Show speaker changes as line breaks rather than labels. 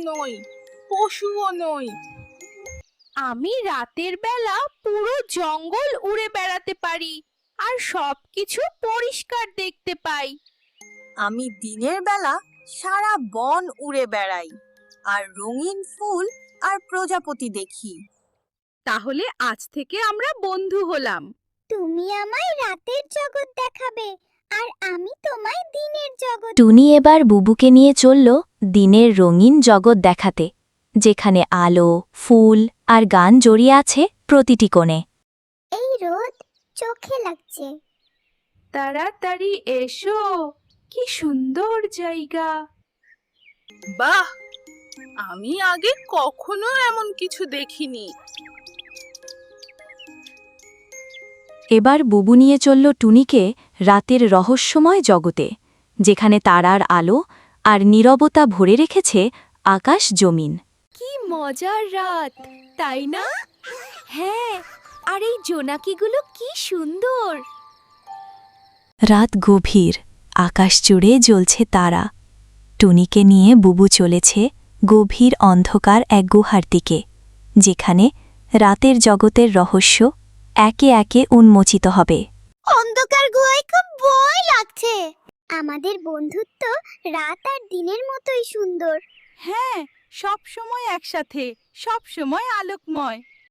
নই, পশুও নই।
আমি রাতের বেলা পুরো জঙ্গল উড়ে বেড়াতে পারি আর সবকিছু পরিষ্কার দেখতে পাই।
আমি দিনের বেলা সারা বন উড়ে বেড়াই আর রঙিন ফুল আর প্রজাপতি দেখি।
তাহলে আজ থেকে আমরা বন্ধু হলাম।
তুমি আমায় রাতের জগৎ দেখাবে আর আমি তোমায় দিনের জগৎ।
টুনি এবার বুবুকে নিয়ে চলল দিনের রঙিন জগৎ দেখাতে, যেখানে আলো, ফুল আর গান জড়িয়ে আছে প্রতিটি কোণে।
এই রোদ চোখে লাগছে।
তাড়াতাড়ি এসো, কি সুন্দর জায়গা।
বাহ, আমি আগে কখনো এমন কিছু দেখিনি।
এবার বুবু নিয়ে চলল টুনিকে রাতের রহস্যময় জগতে, যেখানে তারার আলো আর নীরবতা ভরে রেখেছে আকাশ জমিন।
কি মজার রাত, তাই না? হ্যাঁ, আর এই জোনাকিগুলো কি সুন্দর।
রাত গভীর, আকাশ জুড়ে জ্বলছে তারা। টুনিকে নিয়ে বুবু চলেছে গভীর অন্ধকার এক গুহার দিকে, যেখানে রাতের জগতের রহস্য একে একে উন্মোচিত হবে।
অন্ধকার গুহায় খুব ভয় লাগছে। আমাদের বন্ধুত্ব রাত আর দিনের মতোই সুন্দর।
হ্যাঁ, সব সময় একসাথে, সব সময় আলোকময়।